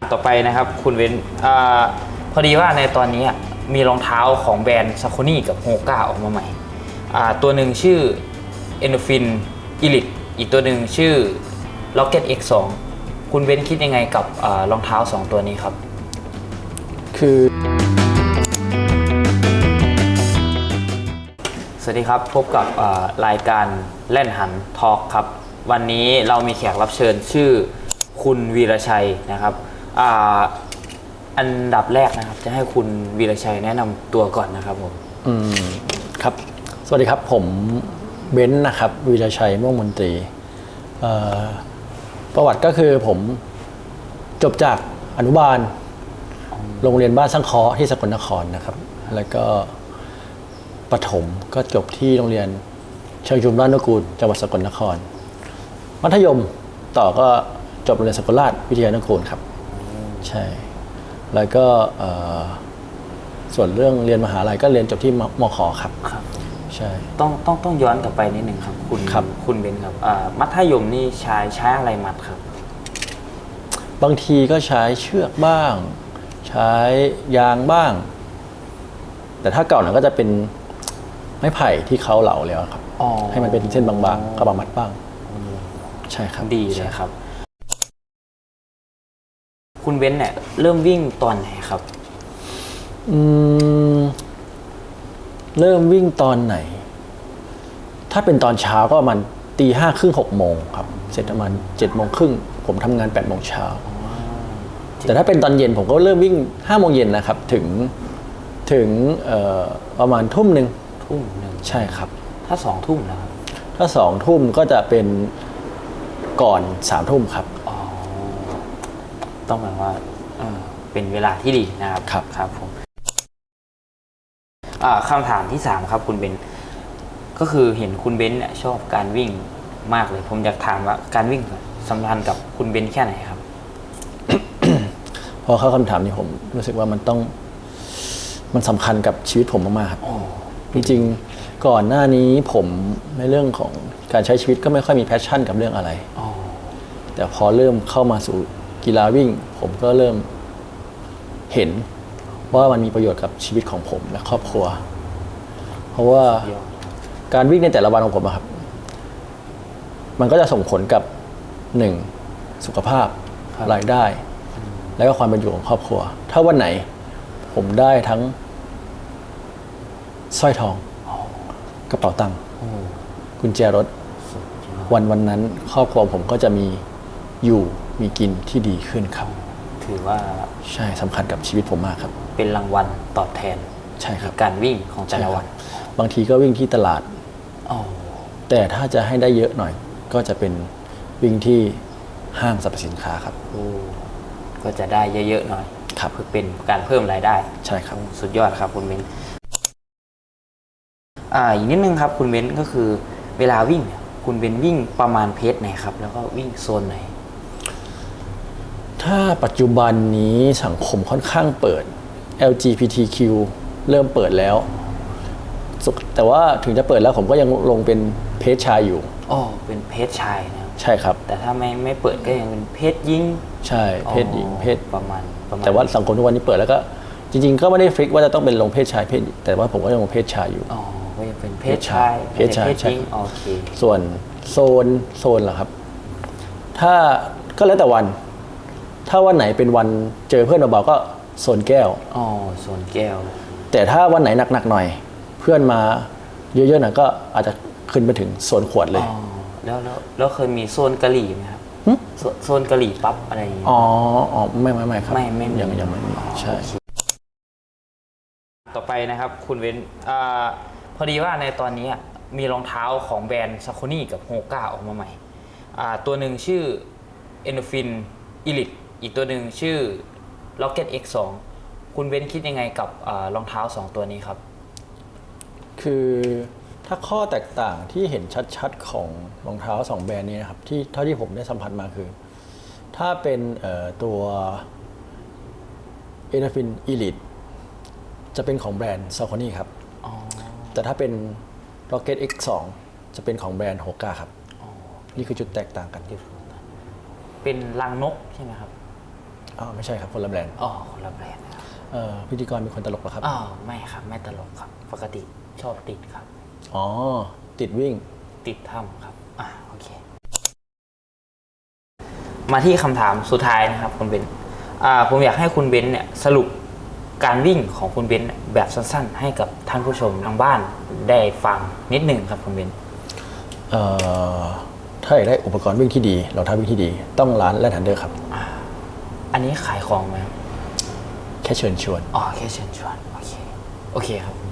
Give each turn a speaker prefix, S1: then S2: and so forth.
S1: ต่อไปนะครับคุณเว้นพอดีว่าในตอนนี้มีรองเท้าของแบรนด์ซาโคนี่กับโฮก้าออกมาใหม่ตัวหนึ่งชื่อ Endorphin Elite อีกตัวหนึ่งชื่อ Rocket X2 คุณเว้นคิดยังไงกับรองเท้า2ตัวนี้ครับ
S2: คือ
S1: สวัสดีครับพบกับรายการแล่นหันทอล์กครับวันนี้เรามีแขกรับเชิญชื่อคุณวีรชัยนะครับอันดับแรกนะครับจะให้คุณวีรชัยแนะนำตัวก่อนนะครับผม
S2: ครับสวัสดีครับผมเบนซ์นะครับวีรชัยม่วงมนตรีประวัติก็คือผมจบจากอนุบาลโรงเรียนบ้านสังเคราะห์ที่สกลนครนะครับแล้วก็ประถมก็จบที่โรงเรียนเชิงชุมราชนุกูลจังหวัดสกลนครมัธยมต่อก็จบโรงเรียนสกลราชวิทยานุกูลครับใช่แล้วก็ส่วนเรื่องเรียนมหาลัยก็เรียนจบที่มข.ครับใช่
S1: ต้องย้อนกลับไปนิดหนึ่งครับคุณเบนครับมัธยมนี่ใช้อะไรมัดครับ
S2: บางทีก็ใช้เชือกบ้างใช้ยางบ้างแต่ถ้าเก่าหน่อยก็จะเป็นไม้ไผ่ที่เขาเหลาแล้วครับให้มันเป็นเส้นบางๆก็บางมัดบ้างใช่ครับ
S1: ดีเลยครับคุณเบนเนี่ยเริ่มวิ่งตอนไหนครับ
S2: เริ่มวิ่งตอนไหนถ้าเป็นตอนเช้าก็ประมาณ5:30 6 โมงครับเสร็จประมาณ7:30ผมทำงาน8 โมงเช้าแต่ถ้าเป็นตอนเย็นผมก็เริ่มวิ่ง5 โมงเย็นนะครับถึงประมาณทุ่มหนึ่งใช่ครับ
S1: ถ้า2 ทุ่มนะครับ
S2: ถ้า2 ทุ่มก็จะเป็นก่อน3 ทุ่มครับ
S1: ต้องหมายว่าเป็นเวลาที่ดีนะครับครับผมคำถามที่3ครับคุณเบนก็คือเห็นคุณเบนเนี่ยชอบการวิ่งมากเลยผมอยากถามว่าการวิ่งสัมพันธ์กับคุณเบนแค่ไหนครับ
S2: พอเข้าคำถามนี้ผมรู้สึกว่ามันสำคัญกับชีวิตผมมากๆครับจริงๆก่อนหน้านี้ผมในเรื่องของการใช้ชีวิตก็ไม่ค่อยมีแพชชั่นกับเรื่องอะไรแต่พอเริ่มเข้ามาสู่กีฬาวิ่งผมก็เริ่มเห็นว่ามันมีประโยชน์กับชีวิตของผมและครอบครัวเพราะว่าการวิ่งในแต่ละวันของผมครับมันก็จะส่งผลกับ1สุขภาพรายได้และก็ความเป็นอยู่ของครอบครัวถ้าวันไหนผมได้ทั้งสร้อยทองกระเป๋าตังค์กุญแจรถวันนั้นครอบครัวผมก็จะมีกินที่ดีขึ้นครับ
S1: ถือว่า
S2: ใช่สำคัญกับชีวิตผมมากครับ
S1: เป็นรางวัลตอบแทน
S2: ใช่ครับ
S1: การวิ่งของแต่ละวัน
S2: บางทีก็วิ่งที่ตลาดแต่ถ้าจะให้ได้เยอะหน่อยก็จะเป็นวิ่งที่ห้างสรรพสินค้าครับ
S1: ก็จะได้เยอะๆหน่อย
S2: ครับ
S1: เพื่อเป็นการเพิ่มรายได้
S2: ใช่ครับ
S1: สุดยอดครับคุณเบนอีกนิดนึงครับคุณเบนก็คือเวลาวิ่งคุณเบนวิ่งประมาณเพจไหนครับแล้วก็วิ่งโซนไหน
S2: ถ้าปัจจุบันนี้สังคมค่อนข้างเปิด LGBTQ เริ่มเปิดแล้วแต่ว่าถึงจะเปิดแล้วผมก็ยังลงเป็นเพจชายอยู่
S1: เป็นเพจชายนะ
S2: ใช่ครับ
S1: แต่ถ้าไม่เปิดก็ยังเป็นเพจหญิง
S2: ใช่เพจหญิงเพจ
S1: ประมาณ
S2: แต่ว่าสังคมทุกวันนี้เปิดแล้วก็จริงๆก็ไม่ได้ฟิกว่าจะต้องเป็นลงเพจชายเพจแต่ว่าผมก็ยังลงเพจชายอยู่
S1: ก็ยังเป็นเพจชาย
S2: เพจหญิง
S1: โอเค
S2: ส่วนโซนเหรอครับถ้าก็แล้วแต่วันถ้าวันไหนเป็นวันเจอเพื่อนเบาๆก็โซนแก้ว
S1: โซนแก้ว
S2: แต่ถ้าวันไหนหนักๆหน่อยเพื่อนมาเยอะๆหน่อยก็อาจจะขึ้นไปถึงโซนขวดเลย
S1: แล้วเคยมีโซนกะหรี่ไหมครับโซนกะหรี่ปั๊บอะไรอย่างเงี้ย
S2: ไม่ครับ
S1: ไม่
S2: ยังไม่มีใช่
S1: ต่อไปนะครับคุณเว้นพอดีว่าในตอนนี้มีรองเท้าของแบรนด์ซาโคนี่กับโฮก้าออกมาใหม่ตัวหนึ่งชื่อ Endorphin Elite อีกตัวหนึ่งชื่อ Rocket X2 คุณเว้นคิดยังไงกับรองเท้า2ตัวนี้ครับ
S2: คือถ้าข้อแตกต่างที่เห็นชัดๆของรองเท้า2แบรนด์นี้นะครับที่เท่าที่ผมได้สัมผัสมาคือถ้าเป็นตัว Endorphin Elite จะเป็นของแบรนด์ Saucony ครับแต่ถ้าเป็น Rocket X2 จะเป็นของแบรนด์ Hoka ครับนี่คือจุดแตกต่างกัน
S1: เป็นรังนกใช่ไหมครับ
S2: อ๋อไม่ใช่ครับคนละแบรนด์
S1: อ๋อคนละแบรนด์นะครับ
S2: พิธีกรเป็นคนตลกเหรอครับ
S1: อ๋อไม่ครับไม่ตลกครับ ปกติชอบติดครับ
S2: อ๋อติดวิ่ง
S1: ติดถ้ำครับโอเค มาที่คำถามสุดท้ายนะครับคุณเบนผมอยากให้คุณเบนเนี่ยสรุปการวิ่งของคุณเบนแบบสั้นๆ ให้กับท่านผู้ชมทางบ้านได้ฟังนิดหนึ่งครับคุณเบน
S2: ถ้าอยากได้อุปกรณ์วิ่งที่ดีรองเท้าวิ่งที่ดี ต้องร้านแลนด์ทันเดอร์ครับ
S1: อันนี้ขายของไหมครับ
S2: แค่เชิญชวน
S1: อ๋อแค่เชิญชวนโอเคครับ